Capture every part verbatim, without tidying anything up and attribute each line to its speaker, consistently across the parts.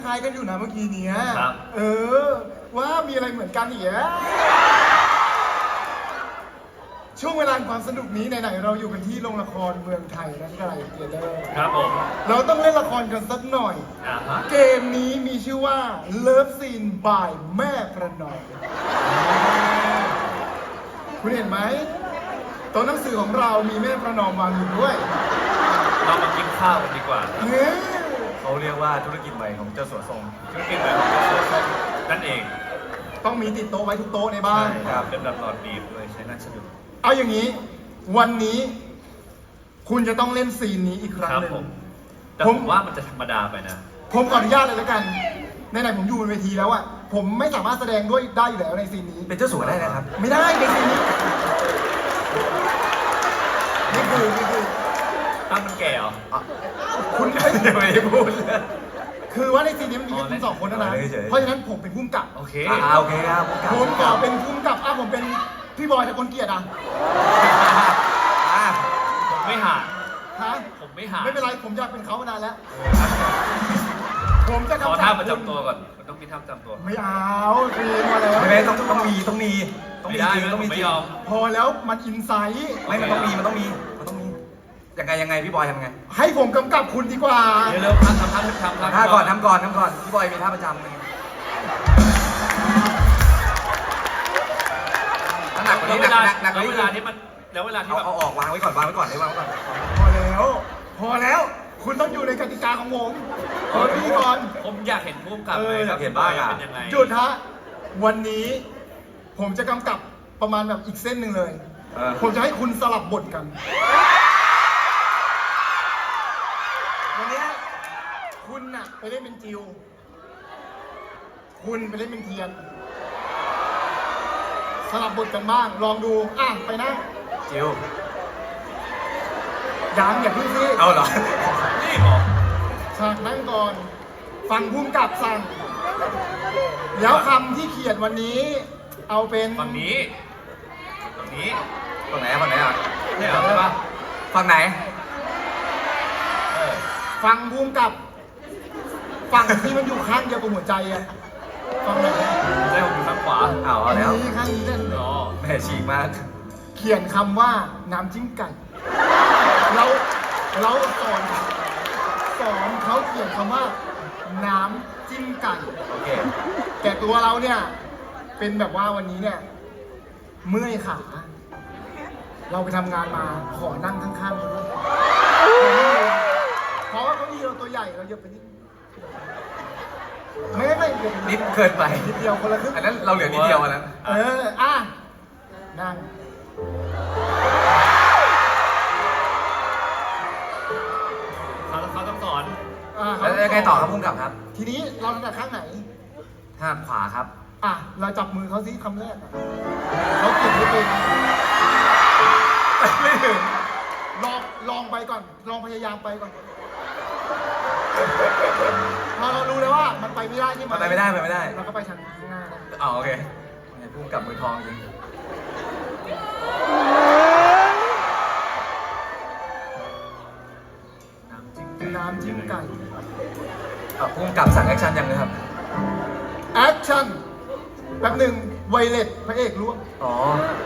Speaker 1: คล้ายกันอยู่นะเมื่อกี้เนี้ย
Speaker 2: ครับ
Speaker 1: เออ ว่ามีอะไรเหมือนกันอีกอะช่วงเวลาความสนุกนี้ไหนๆเราอยู่กันที่โรงละครเมืองไทยนะที่ไรเกียรติเดอร์
Speaker 2: ครับผม
Speaker 1: เราต้องเล่นละครกันสักหน่อย
Speaker 2: อ่าฮะ
Speaker 1: เกมนี้มีชื่อว่า Love Scene by แม่ประนอมคุณเห็นไหมโต๊ะหนังสือของเรามีแม่ประนอมวางอยู่ด้วย
Speaker 2: เรามากินข้าวกันดีกว่า
Speaker 1: เฮ้ย
Speaker 3: เขาเรียกว่าธุรกิจใหม่ของเจ้าสัวทรง
Speaker 2: ธุรกิจแบบของเจ้าสัวทรงนั่นเอง
Speaker 1: ต้องมีติดโต๊ะไว้ทุกโต๊ะในบ้าน
Speaker 2: ครับเป็นแบบหลอดบีบเลยใช้น่าสนุก
Speaker 1: เอาอย่างนี้ วันนี้ คุณจะต้องเล่นซีนนี้อีกครั้ง
Speaker 2: ครับ
Speaker 1: หนึ่ง
Speaker 2: ผมแต่
Speaker 1: ผ
Speaker 2: ผม มว่ามันจะธรรมดาไปนะ
Speaker 1: ผมขออนุญาตเลยแล้วกันไหนๆผมอยู่บนเวทีแล้วอะผมไม่สามารถแสดงด้วยได้อยู่แล้วในซีนนี้
Speaker 3: เป็นเจ้าสัวได้นะครับ
Speaker 1: ไม่ได้ในซีนนี้นี่คือนี่คือ
Speaker 2: ตั้งมันแก่เหรอ
Speaker 1: คุณเอ้ย
Speaker 3: ยังไม่ได้พูดเลย
Speaker 1: คือว่าในซีนนี้มันมีแค่
Speaker 2: อ๋อ
Speaker 1: คุณสองคนเท่านั้น
Speaker 3: เล่นเฉยๆ
Speaker 1: เพราะฉะนั้นผมเป็นผู้กำกับ
Speaker 2: โอเค
Speaker 3: อ่าโอเคครับผมกลับ
Speaker 1: ผมขอเป็นผู้กำกับอ่ะผมเป็นพี่บอยแต่คนเกลียดอ่ะ
Speaker 3: อ่า
Speaker 2: ผมไม่หา
Speaker 1: ฮะ
Speaker 2: ผมไม่หา
Speaker 1: ไม่เป็นไรผมอยากเป็นเขามานานแล้ว ผมจะ
Speaker 2: ขอก
Speaker 1: ำกับ
Speaker 2: ท่าประจำตัวก่อนมันต้องมีท่าประจำตัว
Speaker 1: ไม่เอาซีนมาแล้ว
Speaker 3: ไม่ไม่ต้องต้องมีต้องมีต้อง
Speaker 2: ไม่
Speaker 3: มี
Speaker 2: ได้
Speaker 3: จริง
Speaker 2: ไม่
Speaker 3: ต้องมี
Speaker 2: ไม่
Speaker 3: จริง
Speaker 2: ยอม
Speaker 1: พอแล้วมันอินไซต์
Speaker 3: ไม่มันต้องมีมันต้องมีมันต้องมียังไงยังไงพี่บอยทำไง
Speaker 1: ให้ผมกำกับคุณดีกว่า
Speaker 2: เดี๋ยวเร็วทำทำทำทำทำ
Speaker 3: ท่าก่อนทำก่อนทำก่อนพี่บอยมีท่าประจำไงหนักกว่า
Speaker 2: แล้ว
Speaker 3: นี้
Speaker 2: เว
Speaker 3: หนั
Speaker 2: ลาก
Speaker 3: หนักหนักก
Speaker 2: แล้ว
Speaker 3: ว่า
Speaker 2: เว
Speaker 3: นี้
Speaker 2: ลาที่มันแล้วเวลาที่
Speaker 3: เอา
Speaker 2: แบบ
Speaker 3: เอาออกวางไว้ก่อนวางไว้ก่อนเลยวางไว้ก่อน
Speaker 1: พอแล้ว พอแล้ว คุณต้องอยู่ในกติกาของผมขอพี่ก่อน
Speaker 2: ผมอยากเห็นพุ่มกับ
Speaker 1: เออ
Speaker 2: เลย
Speaker 3: อยากเห็นบ้างอะ
Speaker 2: เป็นยังไง
Speaker 1: หยุดฮะ วันนี้ ผมจะกำกับประมาณแบบอีกเส้นหนึ่งเลย
Speaker 3: เออ
Speaker 1: ผมจะให้คุณสลับบทกัน วันเนี้ยคุณน่ะไปเล่นเป็นจิว คุณไปเล่นเป็นเทียน สลับบทกันบ้าง ลองดู อ่ะ ไปนั่ง
Speaker 3: จิว
Speaker 1: ยังอย่าเพึ่งซิ
Speaker 3: เอาเหรอ
Speaker 2: นี่เหรอ
Speaker 1: ฉากนั่งก่อน ฟังพุ่มกับสั่ง แล้วคำที่เขียนวันนี้ เอาเป็น
Speaker 2: ฝั่งนี้ฝั่งนี้
Speaker 3: ฝั่งไหนอะฝั่งไหนอ่ะ
Speaker 2: ใช่เหรอใช่ปะ
Speaker 3: ฝั่งไหน
Speaker 2: เออ
Speaker 1: ฟังพุ่มกับ ฝั่งที่มันอยู่ข้างเดียวกับหัวใจอะฟังไหน
Speaker 2: ใช่ผมอยู่ข้างขวา
Speaker 3: เอาเอาแล้ว
Speaker 1: นี่ข้างนี้เล่น
Speaker 2: อ๋อ
Speaker 3: แม่ฉีกมาก
Speaker 1: เขียนคำว่าน้ำจิ้มไก่ เราเราสอนสอนเขาเขียนคำว่า น้ำจิ้มไก่
Speaker 3: โอเค
Speaker 1: แต่ตัวเราเนี่ย เป็นแบบว่าวันนี้เนี่ย เมื่อยขา เราไปทำงานมาขอนั่งข้างๆเขาด้วยเพราะว่าเขามีเราตัวใหญ่เราเยอะไปนิดไม่ไม่เดี๋ยว
Speaker 3: นิดเกินไป
Speaker 1: นิดเดียวคนละครึ่ง
Speaker 3: อันนั้นเราเหลือนิดเดียวอันนั้น
Speaker 1: เออ อ่ะ นั่ง
Speaker 2: เขาเขาต้องสอน
Speaker 1: อ่ะ
Speaker 3: แล้วยังไงต่อครับพุ่มกับครับ
Speaker 1: ทีนี้เราถนัดข้างไหน
Speaker 3: ห้ามขวาครับ
Speaker 1: อ่ะ เราจับมือเขาซิคำแรกอ่ะเขาเขียนไม่เป็น
Speaker 3: ไม่ถึง
Speaker 1: ลองลองไปก่อน ลองพยายามไปก่อน พอเรารู้แล้วว่ามันไปไม่ได้ใช่ไหม
Speaker 3: มันไปไม่ได้ไปไม่ได้
Speaker 1: เราก็ไปทางข้างหน้าได้
Speaker 3: อ๋อโอเคไงพุ่มกับมือทองจริง
Speaker 2: น้ำจิ้ม
Speaker 1: น้ำจิ้มไก่
Speaker 3: อ่ะพุ่มกับสั่งแอคชั่นยังเลยครับ
Speaker 1: แอคชั่นแป๊บหนึ่งไวเลตพระเอกร่วง
Speaker 3: อ๋อ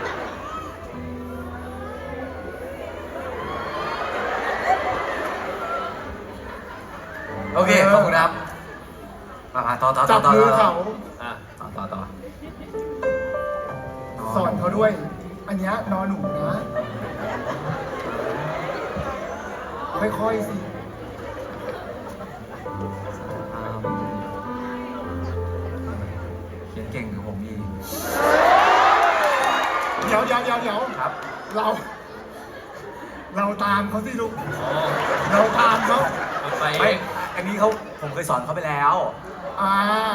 Speaker 3: โอเค ขอบคุณครับ มามาต่อต่อต่
Speaker 1: จั
Speaker 3: อบ ต่อ
Speaker 1: มือ
Speaker 3: ต่อ
Speaker 1: เขา
Speaker 2: อ่ะ
Speaker 3: ต่อต่อต่อ
Speaker 1: สอนเขาด้วย อันเนี้ยนอนหนูนะ ค่อยๆสิ
Speaker 3: อ่าเขียนเก่งกับผมอีก
Speaker 1: เดี๋ยวเดี๋ยวเดี๋ยวเดี๋ยว
Speaker 3: ครับ
Speaker 1: เรา เราตามเขาสิลูก
Speaker 2: อ๋อ
Speaker 1: เราตามเขา
Speaker 2: มันไป
Speaker 3: ไม่ อันนี้เขาผมเคยสอนเขาไปแล้ว
Speaker 1: อ่า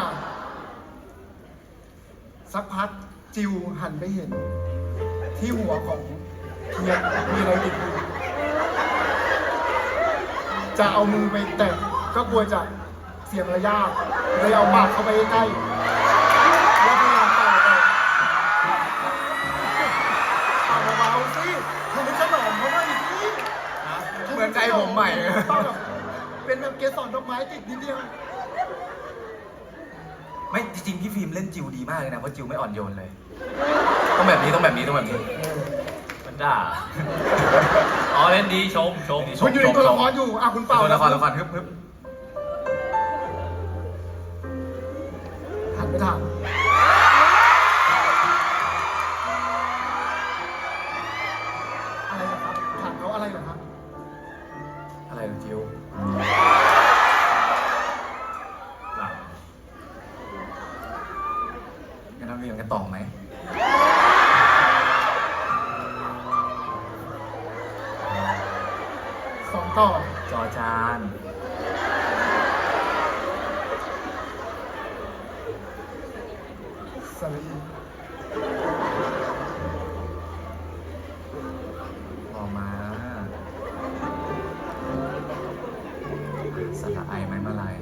Speaker 1: สักพักจิวหันไปเห็น ที่หัวของเทียนมีอะไรติดอยู่จะเอามือไปแตะก็กลัวจะเสียงระยะเลยเอาปากเข้าไปใกล้ๆแล้วพยายามเป่าออกเป่าเบาๆสิทำให้ขนมเขาหน่อยสิ
Speaker 2: ฮะ
Speaker 3: เหมือนใจผมใหม่
Speaker 1: เป่าแบบเป็นแบบเกสรดอกไม้ติดนิดเดียว
Speaker 3: จริงๆพี่ฟิล์มเล่นจิวดีมากเลยนะเพราะจิวไม่อ่อนโยนเลย ต้องแบบนี้ต้องแบบนี้ต้องแบบนี้
Speaker 1: เออ
Speaker 2: มันด่า อ๋อเล่นดีชมชม
Speaker 3: ช
Speaker 1: คุณอยู่ในตัวละครอยู่อ่ะคุณเป่า
Speaker 3: ละครละครฮึบฮึบ
Speaker 1: หันไปถามอะไรเหรอครับถามเขาอะไรเหรอครับ
Speaker 3: อะไรเหรอจิว
Speaker 2: หลัง
Speaker 3: งั้นเราเรียนกันต่อไหม
Speaker 1: สองต่อ
Speaker 3: จอจาน
Speaker 1: สลี
Speaker 3: รอมาสระไอไม้มาลาย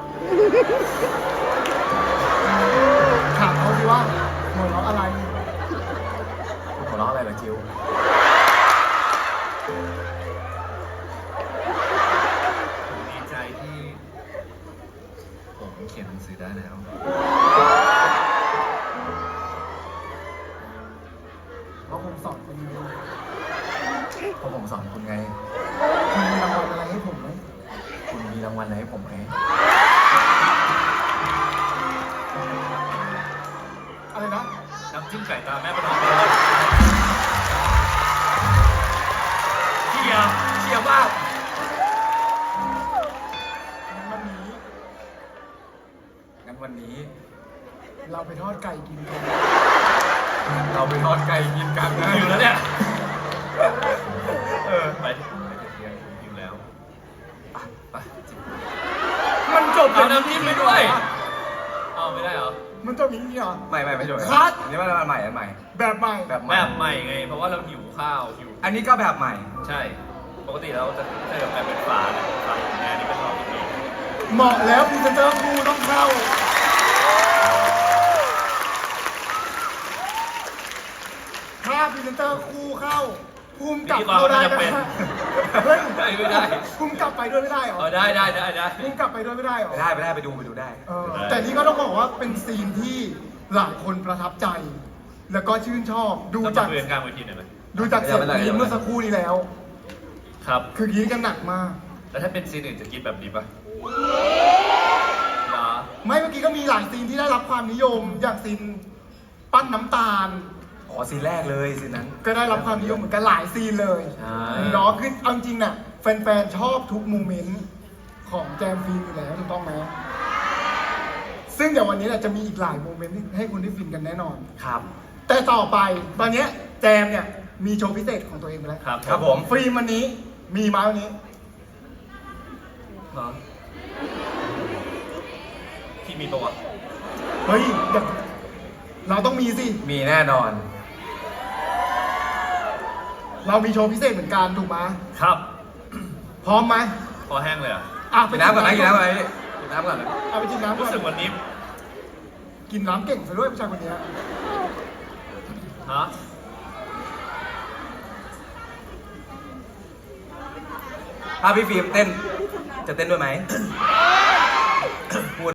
Speaker 1: ถามเขาสิว่าหัวเราะอะไร
Speaker 3: หัวเราะอะไรเหรอจิว
Speaker 2: ผมดีใจที่ ผมเขียนหนังสือได้แล้ว
Speaker 1: เพราะผมสอนคนนี้
Speaker 3: เพราะผมสอนคุณไง
Speaker 1: คุณมีรางวัลอะไรให้ผมไหม
Speaker 3: คุณมีรางวัลอะไรให้ผมไหม
Speaker 1: อะไรนะ
Speaker 2: น้ำจิ้มไก่ตาแม่ประนอมเลยเชียร์
Speaker 3: เชียร์มาก
Speaker 1: งั้นวันนี้
Speaker 3: งั้นวันนี้
Speaker 1: เราไปทอดไก่กินกัน
Speaker 3: เราไปทอดไก่กินกันนะ
Speaker 2: อยู่แล้วเนี่ย
Speaker 3: เออ
Speaker 2: ไปที่ไปที่เที่ยงอยู่แล้ว
Speaker 3: ไป
Speaker 1: มันจบ
Speaker 2: เอาน้ำจิ้มไปด้วย เอาไม่ได้เหรอ
Speaker 1: มันจบอย่างนี้เหรอ
Speaker 3: ไม่ไม่ไม่ช่วย
Speaker 1: คัด
Speaker 3: อันนี้มันอันใหม่อันใหม่
Speaker 1: แบบใหม่
Speaker 3: แบบให
Speaker 2: แบ
Speaker 3: ม่
Speaker 2: บใหม่ไง เพราะว่าเราหิวข้าวหิว
Speaker 3: อันนี้ก็แบบใหม่
Speaker 2: ใช่ ปกติเราจะใช้แบบแบบเป็นฝาเนี่ยฝาของแม่นี่เป็นหลอดอีกที
Speaker 1: เหมาะแล้วพรีเซนเตอร์ครูต้องเข้า ถ้าพรีเซนเตอร์ครูเข้าภูมิกลับเข้าได้นะเฮ้ย
Speaker 2: ได้ไม่ได้
Speaker 1: ภูมิกลับไปด้วยไม่ได้เหรอ
Speaker 2: เออได้ได้ได้ได้
Speaker 1: ภูมิกลับไปด้วยไม่ได้เหรอ
Speaker 3: ไปได้ไปได้ไปดูไปดูได้
Speaker 1: เออแต่นี่ก็ต้องบอกว่าเป็นซีนที่หลายคนประทับใจ แล้วก็ชื่นชอบ ดู
Speaker 2: ดู
Speaker 1: จา
Speaker 2: จาก กเรียนกลางเวทีหน่อยไหม
Speaker 1: ดูจากเสียง
Speaker 3: ไม่เป็นไร
Speaker 1: กรี๊ดเมื่อสักครู่นี้แล้ว
Speaker 2: ครับ
Speaker 1: คือกรี๊ดกันหนักมาก
Speaker 2: แล้วถ้าเป็นซีนอื่นจะกินแบบนี้ปะเหรอ
Speaker 1: ไม่เมื่อกี้ก็มีหลายซีนที่ได้รับความนิยม อย่างซีนปั้นน้ำตาล
Speaker 3: อ๋อซีนแรกเลยซีนนั้น
Speaker 1: ก็ได้รับความนิยมเหมือนกันหลายซีนเลย
Speaker 2: ใช่
Speaker 1: เนาะคือเอาจริงๆน่ะแฟนๆชอบทุกโมเมนต์ของแจมฟิล์มอยู่แล้วถูกต้องไหมซึ่งเดี๋ยววันนี้แหละจะมีอีกหลายโมเมนต์ที่ให้คุณได้ฟินกันแน่นอน
Speaker 3: ครับ
Speaker 1: แต่ต่อไปตอนเนี้ยแจมเนี่ยมีโชว์พิเศษของตัวเองไปแล้ว
Speaker 2: ครับ
Speaker 3: ครับผม
Speaker 1: ฟิล์มวันนี้มีมาวันนี้
Speaker 2: เหรอพี่มีประวัติ
Speaker 1: เฮ้ยเดี๋ยวเราต้องมีสิ
Speaker 3: มีแน่นอน
Speaker 1: เรามีโชว์พิเศษเหมือนกันถูกไหม
Speaker 2: ครับ
Speaker 1: พร้อมไหม
Speaker 2: พอแห้งเลยอ่ะ
Speaker 1: อ่ะ
Speaker 3: กินน้ำก่อนนะกินน้ำก่อนนะกินน้ำก่อนนะ
Speaker 1: เอาไปกินน้ำก่
Speaker 2: รู้
Speaker 1: อน
Speaker 2: สึกวันนี้
Speaker 1: กินน้ำเก่งซะด้วยผู้ชายคนเนี้ย
Speaker 2: ฮะ
Speaker 3: ถ้าพี่ฟิล์มเต้น จะเต้นด้วยไหม